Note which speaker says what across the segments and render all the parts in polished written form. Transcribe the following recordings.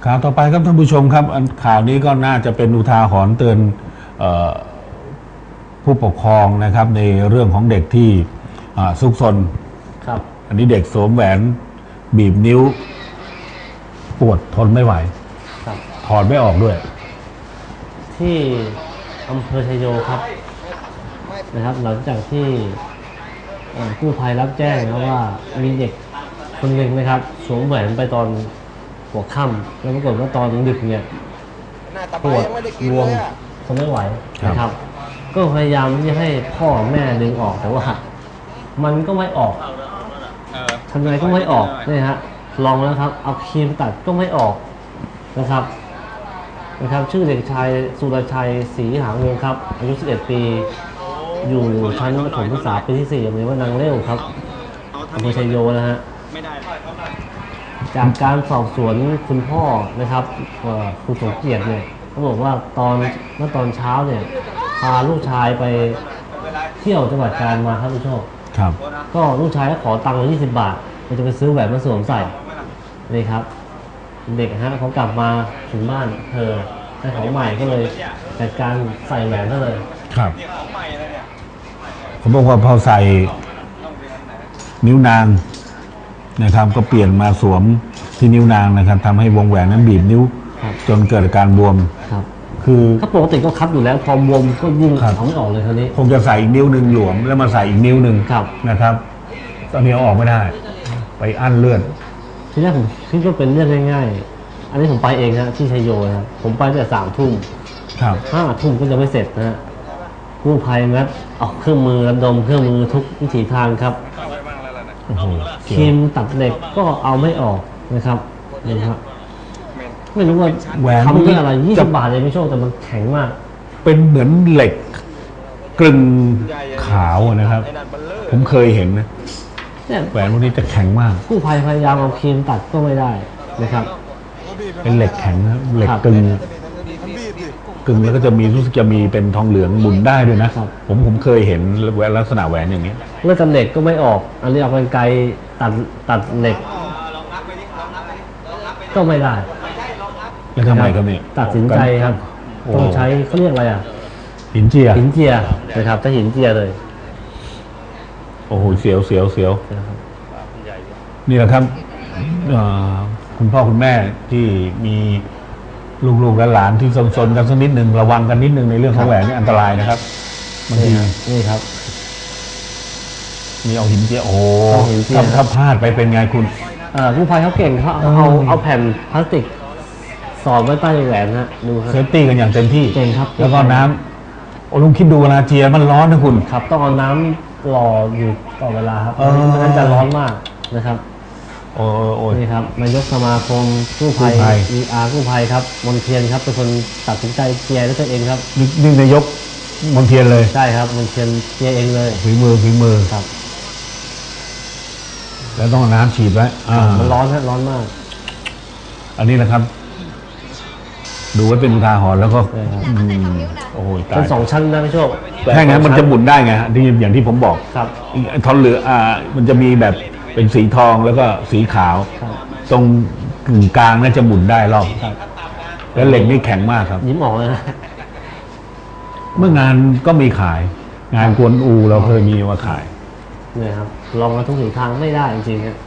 Speaker 1: ข่าวต่อไปครับท่านผู้ชมครับข่าวนี้ก็น่าจะเป็นอุทาหรณ์เตือนผู้ปกครองนะครับในเรื่องของเด็กที่ซุกซน
Speaker 2: ครับ
Speaker 1: อันนี้เด็กสวมแหวนบีบนิ้วปวดทนไม่ไหวถอดไม่ออกด้วย
Speaker 2: ที่อำเภอชัยโยครับนะครับหลังจากที่กู้ภัยรับแจ้งนะว่ามีเด็กคนหนึ่งนะครับสวมแหวนไปตอนหัวค่ำแล้วปรากฏว่าตอนดึกเนี่ยปวดรวมทนไม่ไหวนะครับก็พยายามที่จะให้พ่อแม่ดึงออกแต่ว่ามันก็ไม่ออกทำไงก็ไม่ออกนี่ฮะลองแล้วครับเอาครีมตัดก็ไม่ออกนะครับชื่อเด็กชายสุรชัยศรีหางวงครับอายุ11 ปีอยู่ชั้นประถมศึกษาปีที่4โรงเรียนว่านางเลี้ยวครับอำเภอชัยโยนะฮะจากการสอบสวนคุณพ่อนะครับคุณสมเกียรติเนี่ยเขาบอกว่าเมื่อตอนเช้าเนี่ยพาลูกชายไปเที่ยวจังหวัดกาญมาครับผู้ชม
Speaker 1: ครับ
Speaker 2: ก็ลูกชายก็ขอตังค์20 บาทจะไปซื้อแหวนมาสวมใส่นี่ครับเด็กฮะเขากลับมาถึงบ้านได้ของใหม่ก็เลยจัดการใส่แหวนซะเลย
Speaker 1: ครับเขาบอกว่าพอใส่นิ้วนางนะครับก็เปลี่ยนมาสวมที่นิ้วนางนะครับทำให้วงแหวนนั้นบีบนิ้วจนเกิดอาการบวมคือ
Speaker 2: ถ้าปกติก็คับอยู่แล้วพอบวมก็ยิ่งถอนไม่ออกเลยคราวนี้
Speaker 1: คงจะใส่อีกนิ้วหนึ่งหลวมแล้วมาใส่อีกนิ้วหนึ่งนะครับตอนนี้เอาออกไม่ได้ไปอั้นเลือด
Speaker 2: ทีแรกผมคิดว่าเป็นเรื่องง่ายๆอันนี้ผมไปเองนะที่ชัยโยนะผมไปตั้งแต่3 ทุ่ม5 ทุ่มก็จะไม่เสร็จนะกู้ภัยงัดออกเครื่องมือระดมเครื่องมือทุกวิถีทางครับครีมตัดเหล็กก็เอาไม่ออกนะครับนี่ครับไม่รู้ว่าทำด้วยอะไร20 บาทเลยไม่โชคแต่มันแข็งมาก
Speaker 1: เป็นเหมือนเหล็กกลึงขาวนะครับผมเคยเห็นนะแหวนพวกนี้จะแข็งมาก
Speaker 2: กู้ภัยพยายามเอาครีมตัดก็ไม่ได้นะครับ
Speaker 1: เป็นเหล็กแข็งนะเหล็กกลึงแล้วก็จะมีรู้สึกจะมีเป็นทองเหลืองหมุนได้ด้วยนะผมเคยเห็นแหวนลักษณะแหวนอย่างนี้
Speaker 2: เลือดเหล็กก็ไม่ออกอันนี้เอากรรไกรตัดเหล็กก็ไม่ได้
Speaker 1: แล้วทำไมครับเนี่ย
Speaker 2: ตัดสินใจครับต้องใช้เขาเรียกอะไร
Speaker 1: หินเจีย
Speaker 2: นะครับถ้าหินเจียเลย
Speaker 1: โอ้โหเสียวนี่แหละครับคุณพ่อคุณแม่ที่มีลูกๆและหลานที่ซนๆกันสักนิดหนึ่งระวังกันนิดหนึ่งในเรื่องของแหวนนี่อันตรายนะครับบางที
Speaker 2: นี่ครับ
Speaker 1: มีเอาหินเจียโอ้ถ้าพลาดไปเป็นไงคุณ
Speaker 2: กู้ภัยเขาเก่งเขาเอาแผ่นพลาสติกสอดไว้ใต้แหวนฮะดูครับ
Speaker 1: เซฟตี้กันอย่างเต็มที่
Speaker 2: เก่งครับ
Speaker 1: แล้วก็น้ำลุงคิดดูเวลาเจียมันร้อนนะคุณ
Speaker 2: ครับต้องเอาน้ำหล่ออยู่ต่อเวลาครับไม่งั้นจะร้อนมากนะครับ
Speaker 1: โอ้
Speaker 2: นี่ครับนายกสมาคมกู้ภัย ER กู้ภัยครับมนเทียนครับเป็นคนตัดสินใจเจียด้วยตัวเองครับ
Speaker 1: นี่นายกมนเทียนเลย
Speaker 2: ใช่ครับมนเทียนเจียเองเลย
Speaker 1: ฝีมือ
Speaker 2: ครับ
Speaker 1: แล้วต้องน้ำฉีดไว้
Speaker 2: มันร้อนฮะร้อนมาก
Speaker 1: อันนี้นะครับดูไว้เป็นอุทาหรณ์แล้วก็โอ้โห
Speaker 2: ตายเป็น2 ชั้นนะพี่โชค
Speaker 1: แค่งั้นมันจะหมุนได้ไงที่อย่างที่ผมบอก
Speaker 2: ครับ
Speaker 1: ทองเหลืองมันจะมีแบบเป็นสีทองแล้วก็สีขาวตรงกึ่งกลางน่าจะหมุนได้รอบแล้วเหล็กนี่แข็งมากครับ
Speaker 2: ยิ้มออกเลยนะ
Speaker 1: เมื่องานก็มีขายงานกวนอูเราเคยมีมาขาย
Speaker 2: เนี่ยครับลองมาทุกถึงทางไม่ได้จริงๆครับ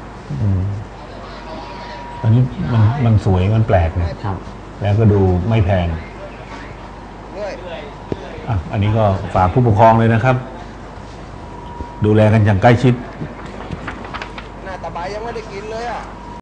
Speaker 1: อันนี้มันสวยมันแปลกนะครับแล้วก็ดูไม่แพงอันนี้ก็ฝากผู้ปกครองเลยนะครับดูแลกันอย่างใกล้ชิด
Speaker 3: หน้าตาใบยังไม่ได้กินเลย